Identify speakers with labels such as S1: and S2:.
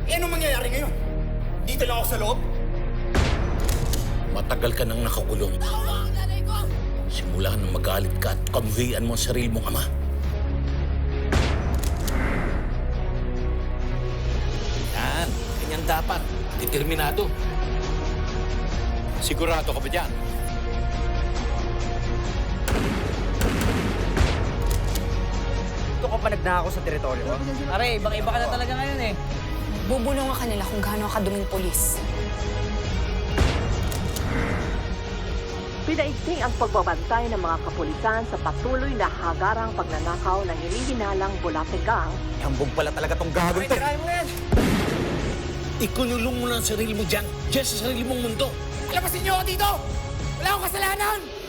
S1: Eh, anong mangyayari ngayon? Dito lang ako sa loob?
S2: Matagal ka nang nakakulong.
S3: Tawa ang nanay ko!
S2: Simula nang magalit ka at kamuhian mo ang sarili mong ama.
S4: Yan, ganyan dapat. Determinado. Sigurado ka ba dyan?
S5: Ito ka pa nagnakaw sa teritoryo ko? Pare, ibang-iba ka na talaga ngayon eh.
S3: Bubulong ka nila kung gaano kaduming polis.
S6: Pinaigting ang pagbabantay ng mga kapulisan sa patuloy na hagarang pagnanakaw ng hinihinalang Bulate Gang.
S5: Hambog pala talaga tong gagawin to.
S1: Tirahin mo yan!
S2: Ikunulong mo na ang sarili mo dyan. Diyan sa sarili mong mundo.
S1: Labasin niyo ako dito! Wala akong kasalanan!